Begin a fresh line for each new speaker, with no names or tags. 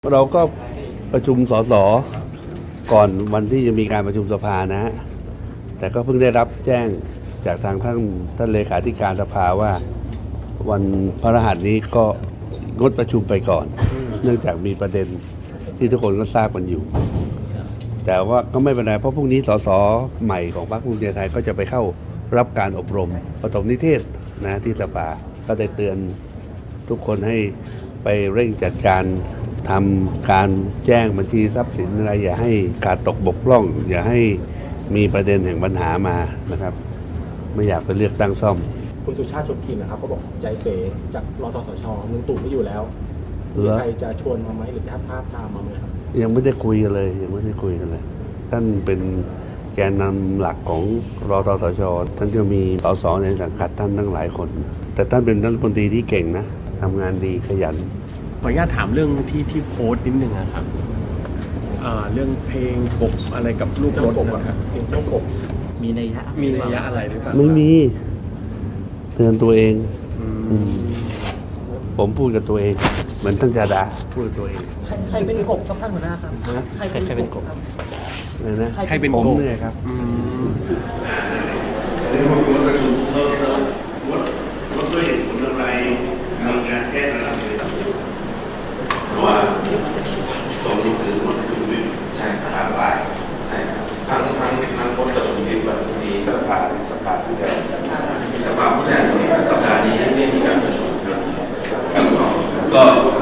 เราก็ประชุมสสก่อนวันที่จะมีการประชุมสภานะ แต่ก็เพิ่งได้รับแจ้งจากทางท่านเลขาธิการสภาว่าวันพฤหัสนี้ก็งดประชุมไปก่อน เนื่องจากมีประเด็นที่ทุกคนก็ทราบกันอยู่ แต่ว่าก็ไม่เป็นไรเพราะพรุ่งนี้สสใหม่ของพรรคภูมิใจไทยก็จะไปเข้ารับการอบรมปฐมนิเทศนะที่สภาก็ได้เตือนทุกคนให้ไปเร่งจัดการทำการแจ้งบัญชีทรัพย์สินอะไรอย่าให้ขาดตกบกพร่องอย่าให้มีประเด็นแห่งปัญหามานะครับไม่อยากไปเลือกตั้งซ่อม
คุณสุชาติชมกลิ่นนะครับก็บอกใจเป๋จากรทสชลุงตู่ไม่อยู่แล้วมีใครจะชวนมาไหมหรือจะท้าทามมาไหมครับ
ยังไม่ได้คุยกันเลยท่านเป็นแกนนำหลักของรทสชท่านจะมีสสในสังกัดท่านตั้งหลายคนแต่ท่านเป็นรัฐมนตรีที่เก่งนะทำงานดีขยัน
ขออนุญาตถามเรื่องที่โพสต์นิดนึงนะครับเรื่องเพลงกบอะไรกับลูกรถนะครับ
เพลงเจ้ากบ
มีนัยยะอะไรหรือเปล่า
ไม่มีเตือนตัวเองผมพูดกับตัวเองเหมือนท่านจาดาพูดกับตัวเอง
ใครเป็นกบครับท่านหัวหน้าครับใครเป็นกบครับ
อะไรนะ
ใครเป็น
ผม
กบ
เนี่ยครับรถด้วยเหตุผลอะไรมีการแก้ระดับเลยเพราะว่าส่งถึงรถถึงวินใช่ครับใช่ครับทั้งรถกับถึงวินแบบนี้สภาผู้แทนสัปดาห์นี้ไม่มีการประชุมครับก็